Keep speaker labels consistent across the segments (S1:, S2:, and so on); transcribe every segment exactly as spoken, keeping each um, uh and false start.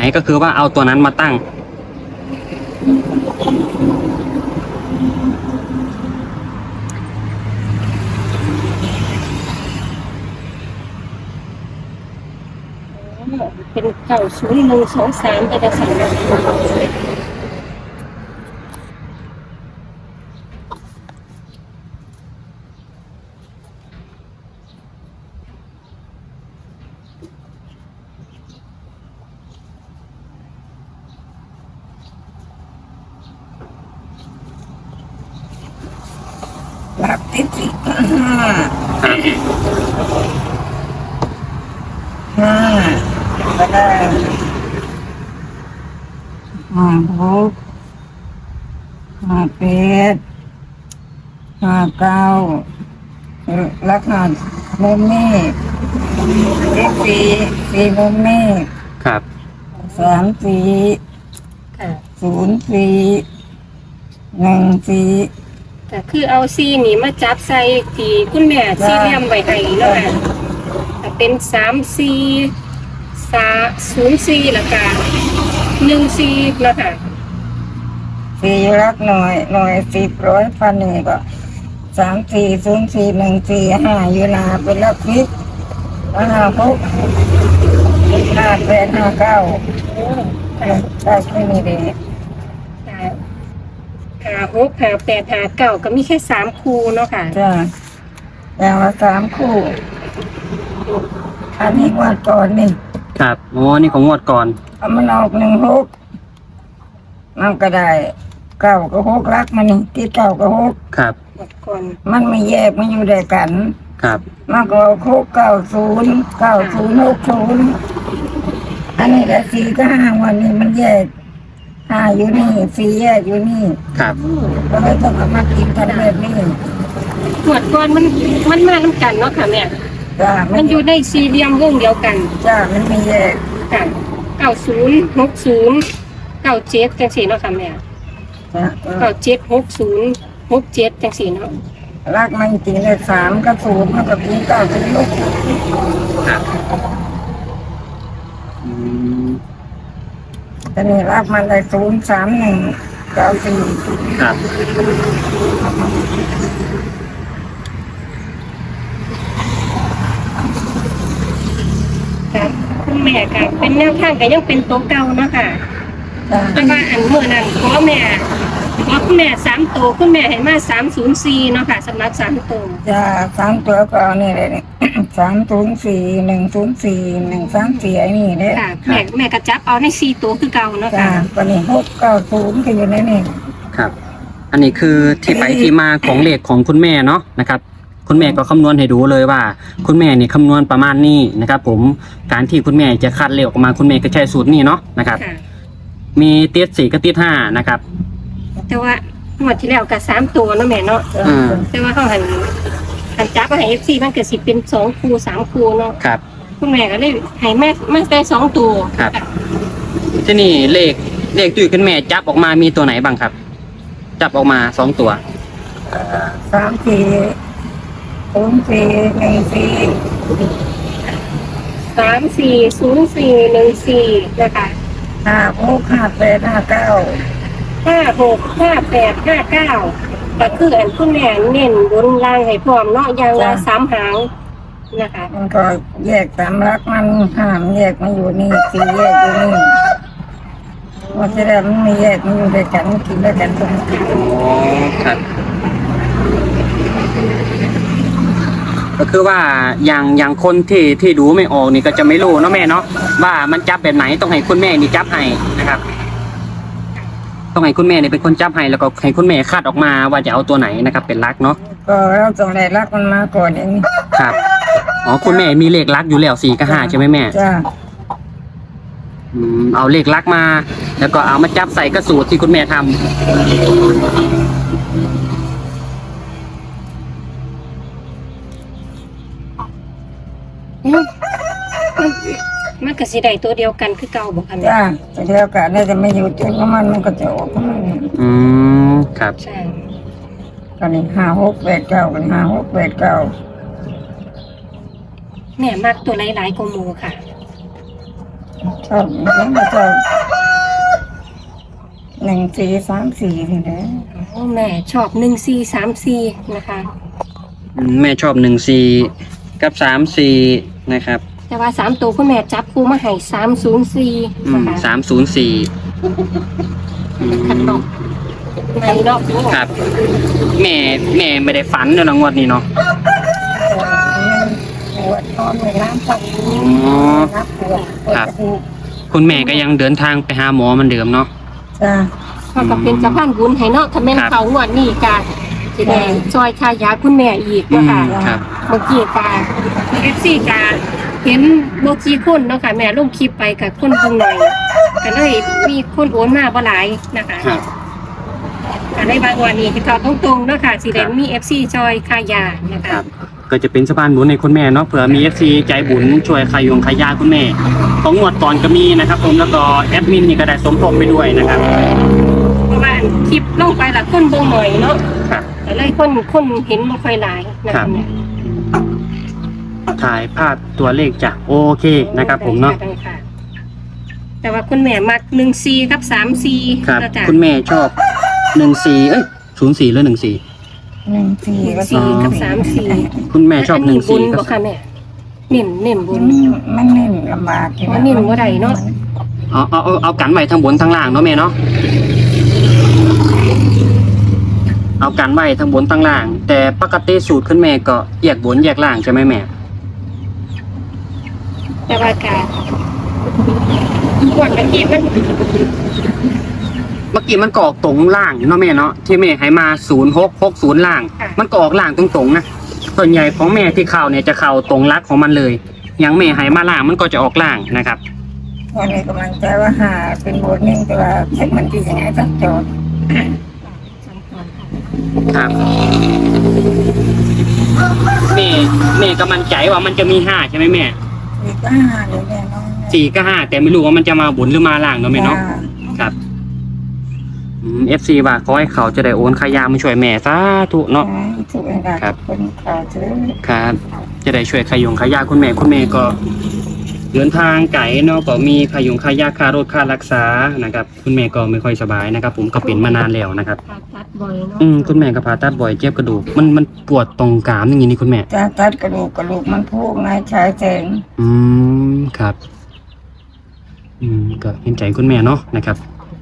S1: ก็คือว่าเอาตัวนั้นมาตั้ง
S2: เป็นเก่าศูนย์หนึ่งสองสามไปแต่สาม
S3: หลักที่สี่ห้าห้าก็ได้ห้าหกห้าแปดห้าเก้าลักหัสมุมนี้เลขสี่สี่มุมนี้
S1: ครับ
S3: สามสี่
S2: ค่ะ
S3: ศูนย์สี่หนึ่งสี่
S2: ก็คือเอาซีนี่มาจับใส่ที่คุณแม่ซีเรียมไว้ให้เนาะค่ะก็เป็นสามซีสาศูนย์ซีแล้วก็หนึ่งซีเนาะค่ะ
S3: สี่รักหน่อยหน่อยสิบร้อยพันหนึ่งก็สามสี่ศูนย์สี่หนึ่งสี่ห้าอยู่นาเป็นลักฟิกห้าหกห้าแปดห้าเก้าได้แค่นี้เอง
S2: หาหกหาแปดหาเก้าก็มีแค่สามคูเนาะค่ะ
S3: จ้าอย่างละสามคู่อันนี้วัดก่อนนี่
S1: ครับโอ้นี่ของงวดก่อน
S3: เอามันออกหนึ่งหกมันก็ได้เก้าก็หกรักมันนี่ที่เก้าก็หก
S1: ครับ
S2: หมดก่อน
S3: มันไม่แยกมันอยู่ด้วยกัน
S1: ครับ
S3: มันก็หกเก้าศูนย์เก้าศูนย์หกศูนย์อันนี้แหละสี่ก็ห้าวันนี้มันแยกห้าอยู่นี่สี่แยกอยู่นี่
S1: ครับ
S3: ก็เลยต้องเอามากินกันแบบนี้
S2: หมดก่อนมันมันมาน้ำกันเนาะค่ะแม่
S3: จ้า
S2: มันอยู่ในสี่เหลี่ยมวงเดียวกัน
S3: จ้ามันไม่แยก
S2: ค่ะเก้าศูนย์หกศูนย์เก้าเจ็ดจังสี่เนาะค่ะแม่
S3: จ้า
S2: เก้าเจ็ดหกศูนย์หกเจ็ดจังสี่เนาะ
S3: รักมันจริงเลยสามกับศูนย์มันก็กินเก้าศูนย์ลูก
S1: ครับอืม
S3: แต่นี่รักมันได้ศูนย์สามหนึ่งเก้าสี่
S1: ครับ
S2: ค่ะคุณแม่ค่ะเป็นแนวทางก็ยังเป็นตัวเก่าเนาะค่ะ
S3: จ้า
S2: แต่ว่าอันเมื่อนั้นขอแม่ขอคุณแม่สามตัวคุณแม่ให้มาสามศูนย์สี่เนาะค่ะสำหรับสามตัว
S3: จ้าสามตัวก็เอานี่เลยเนี่ย สามศูนย์สี่หนึ่งศูนย์สี่หนึ่งสามสี่ไอ้นี่เนี่ย
S2: ค่ะแม่แม่กระจับเอาในสี่ตัวคือเก่าเนาะ
S3: จ้า
S2: ค่ะ
S3: ก็นี่หกเก้าศูนย์ก็อยู่ในนี่
S1: ครับ อันนี้คือที่ไปที่มาของเลขของคุณแม่เนาะนะครับ คุณแม่ก็คำนวณให้ดูเลยว่า คุณแม่นี่คำนวณประมาณนี้นะครับ ผมการที่คุณแม่จะคัดเลขออกมาคุณแม่ก็ใช้สูตรนี้เนาะนะครับ
S2: ค่ะ
S1: มีติดสี่กับติดห้านะครับ
S2: แต่ว่าหมดที่แล้วก็สามตัวเนาะแม่เนาะ
S3: จ้า
S1: อืม
S2: แต่ว่าเขาหันหันจับมาให้เอฟซีมันเกิดสิเป็นสองคูสามคูเนาะ
S1: ครับ
S2: คุณแม่ก็เลยให้แม่แม่ได้สองตัว
S1: ครับ ที่นี่เลขเลขที่คุณแม่จับออกมามีตัวไหนบ้างครับ จับออกมาสองตัว
S3: สามสี่ศูนย์สี่หนึ่งสี่
S2: สามสี่ศูนย์สี่หนึ่งสี่นะคะ
S3: ห้าหกห้าแปดห้าเก้า
S2: ห้าหกห้าแปดห้าเก้าก็คืออันคุณแม่เน้นบนล่างให้พร้อมเนาะอย่างละสามหางนะคะ
S3: มันก็แยกสามรักมันห้ามแยกมันอยู่นี่สี่แยกอยู่นี่ว่าจะได้มันไม่แยกมันอยู่ด้วยกันกินด้วยกันตรงนี้
S1: อ๋อครับ ก็คือว่าอย่างอย่างคนที่ที่ดูไม่ออกนี่ก็จะไม่รู้เนาะแม่เนาะว่ามันจับแบบไหนต้องให้คุณแม่นี่จับให้นะครับ ต้องให้คุณแม่นี่เป็นคนจับให้แล้วก็ให้คุณแม่คาดออกมาว่าจะเอาตัวไหนนะครับ เป็นลักเนาะ
S3: ก็เราต้องได้รักมันมาก่อนเอง
S1: ครับอ๋อคุณแม่มีเลขลักอยู่แล้วสี่กับห้าใช่ไหมแม่
S3: จ้า
S1: อืมเอาเลขลักมา แล้วก็เอามาจับใส่กระสูตรที่คุณแม่ทำ
S2: อืมมันมันก็สิได้ตัวเดียวกันคือเก่าบอกค่ะแม่
S3: จ้าแต่เดียวกันได้จะไม่อยู่จุดของมันมันก็จะออกของมัน
S1: อืมครับ
S2: ใช่
S3: ตอนนี้ห้าหกแปดเก้าเป็นห้าหกแปดเก้า
S2: แม่มักตัวหลายๆกว่าหมูค่ะ
S3: ชอบยังไม่ชอบหนึ่งสี่สามสี่นี่แหละ
S2: โอ้แม่ชอบหนึ่งสี่สามสี่นะคะ
S1: อืมแม่ชอบหนึ่งสี่กับสามสี่นะครับ
S2: แต่ว่าสามตัวคุณแม่จับคู่มาให้สามศูนย์สี่
S1: อื
S2: นะ
S1: ม
S2: คะ
S1: สามศูนย์สี่อื
S2: ขัด
S1: ม
S2: ดอกในรอบนี้
S1: ครับ แม่แม่ไม่ได้ฝันเนาะงวดนี้เนาะ
S3: ปวดนอนในน้ำปัง
S1: อ๋อ
S3: นับปวดปวด
S1: ครับ
S3: กระดูก
S1: คุณแม่ก็ยังเดินทางไปหาหมอเหมันเดิมเนาะ
S3: จ้า
S2: เขาก็เป็นสะพานบุญให้เนาะถ้าแม่น
S1: ครับ
S2: เขางวดนี้ก็จะได้ซอยค่ายาคุณแม่อีก
S1: อื
S2: นะ
S1: ม
S2: คะ
S1: ครับ
S2: เมื่อกี้กาเอฟซีกาเห็นโบกี้คนเนาะค่ะแม่ลงคลิปไปกับคนเพิ่งหน่อยก็เลยมีคนโอนมาบ่หลายนะคะ
S1: ครับ
S2: ก็เลยบางวันนี้ที่เขาตรงๆเนาะค่ะสิเดนมีเอฟซีจอยคายานะ
S1: ค
S2: คะ
S1: รับ ก็จะเป็นสะพานบุญในคุณแม่เนาะเผื่อมีเอฟซีใจบุญช่วยขายงขายยาคุณแม่ของงวดก่อนก็มีนะครับผมแล้วก็แอดมินนี่ก็ได้สมทบไปด้วยนะครับ
S2: เพราะว่าคลิปลงไปละคนเบิ่งหน่อยเนาะ
S1: ครับ
S2: แต่เลยคนคนเห็นบ่ค่อยหลายนะคะแม่
S1: ถ่ายภาพตัวเลขจ้ะโอเคนะครับผมเนาะ
S2: ได้ค่ะแต่ว่าคุณแม่มักหนึ่งสี่กับสามสี่
S1: ครับ
S2: แล้วจ้ะ
S1: คุณแม่ชอบหนึ่งสี่เอ้ยศูนย์สี่หรือหนึ่งสี่
S3: หนึ่งสี่ก็
S2: สี่กับสามสี่
S1: คุณแม่ชอบหนึ่งสี่
S2: บุญ
S1: กับ
S2: บ่ค่ะแม่เน้นเน้นบุ
S3: มั
S2: ญ
S3: นมันเน้นลำบากอยู่
S2: มันเน้นบ่ได้เนาะ
S1: เอาเอาเอาเอากันไว้ทั้งบนทั้งล่างเนาะแม่เนาะเอากันไว้ทั้งบนทั้งล่าง แต่ปกติสูตรคุณแม่ก็แยกบนแยกล่างใช่ไหมแม่
S2: แต่ว่าการกวดกันอีกมัน
S1: เมื่อกี้มันก็ออกตรงล่างเนาะแม่เนาะที่แม่ให้มาศูนย์หกหกศูนย์ล่าง มันก็ออกล่างตรงๆนะส่วนใหญ่ของแม่ที่เข้าเนี่ยจะเข้าตรงลักของมันเลยอย่างแม่ให้มาล่างมันก็จะออกล่างนะครับ
S3: วันนี้กำลังใจว่าหาเป็นบทหนึ่งแต่ว่าเช็คมันดียังไงต้องจด
S1: ครับแม่แม่ก็มั่นใจว่ามันจะมีห้าใช่ไหมแม่
S3: สี่ก็หาเลยแม่น้อง
S1: สี่ก็ห้าแต่ไม่รู้ว่ามันจะมาบนหรือมาล่างเนาะแม่เนาะครับเอฟซีว่าขอให้เขาจะได้โอนขายามาช่วยแม่สาธุเนาะ
S3: ถูกไหมครับคนข่าวซื้อ
S1: ครับ จะได้ช่วยขายงขายาคุณแม่คุณแม่ก็เดินทางไกลเนาะก็มีขายงขายาค่ารถค่ารักษานะครับ คุณแม่ก็ไม่ค่อยสบายนะครับ ผมก็เป็นมานานแล้วนะครับ
S2: ผ่าตัดบ่อยเนาะ
S1: อืมคุณแม่ก็ผ่าตัดบ่อยเจ็บกระดูกมันมันปวดตรงกรามอย่างนี้นี่คุณแม่
S3: จะตัดกระดูกกระดูกมันพุกนายชายแสง
S1: อืมครับ อืมก็เห็นใจคุณแม่เนาะนะครับ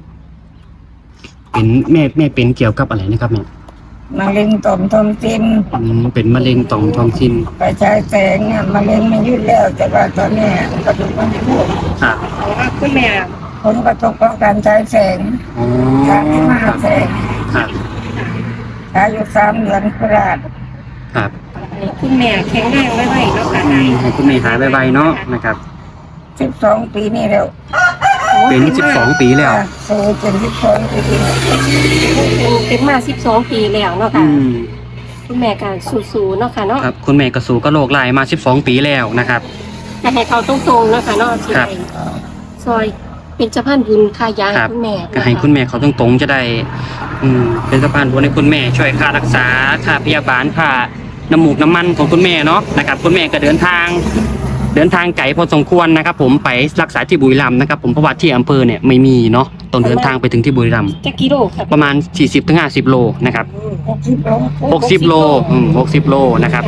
S1: เป็นแม่แม่เป็นเกี่ยวกับอะไรนะครับแม่
S3: มะเร็งต่อมทอมซิน
S1: อืมเป็นมะเร็งต่อมทอมซิน
S3: ไปชายแสงเนี่ยมะเร็งมันยุ่แล้วแต่ว่าตอนเนี้ยกระดูกมันพุก
S1: ครับ
S2: เพราะว่าคุณแม่
S3: ผลกระทบของการใช้แสง
S1: อ๋อ
S3: การที่มาแสง
S1: ครับ
S3: ใช้อยู่สามเดือนโคราช
S1: ครับ
S2: ให้คุณแม่แข็งแรงไว้ไว้เนาะค่ะ
S1: อืมให้คุณแม่หายไวๆเนาะนะครับ
S3: สิบสองปีนี่แล้ว
S1: เป็นสิบสองปีแล้ว
S3: สู้เป็นสิบสองปีนี่
S2: เป็นเป็นมาสิบสองปีแล้วเนาะ
S1: อื
S2: ค่ะ
S1: ม
S2: คุณแม่ก็สู้ๆเนาะค่ะเนาะ
S1: ครับ คุณแม่กระสูก็โรคลายมาสิบสองปีแล้วนะครับ
S2: จะให้เขาตรงๆเนาะค่ะเนาะสิ
S1: ครับ
S2: ได้ซอยเป็นสะพานบุญค่ายา
S1: ครับ
S2: ให้คุณแม่
S1: ก็ให้คุณแม่เขาตรงๆจะได้ อืม เป็นสะพานบุญให้คุณแม่ช่วยค่ารักษาค่าพยาบาลค่าน้ำมูกน้ำมันของคุณแม่เนาะนะครับ คุณแม่ก็เดินทาง เดินทางไกลพอสมควรนะครับ ผมไปรักษาที่บุรีรัมย์นะครับ ผมเพราะว่าที่อำเภอเนี่ยไม่มีเนาะต้องเดินทางไปถึงที่บุรีรัมย์
S2: จักกิโลครับ
S1: ประมาณ สี่สิบถึงห้าสิบ โลนะครับ
S3: หกสิบโล
S1: หกสิบ โลอืมหกสิบ โลนะครับ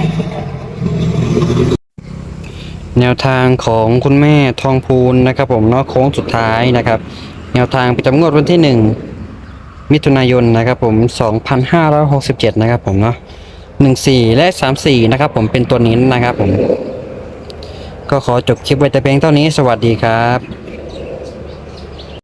S1: แนวทางของคุณแม่ทองพูนนะครับ ผมเนาะโค้งสุดท้ายนะครับ แนวทางประจำงวดวันที่หนึ่งมิถุนายนนะครับ ผมสองพันห้าร้อยหกสิบเจ็ดนะครับ ผมเนาะหนึ่งสี่และสามสี่นะครับ ผมเป็นตัวนี้นะครับ ผมก็ขอจบคลิปไว้แต่เพียงเท่านี้สวัสดีครับ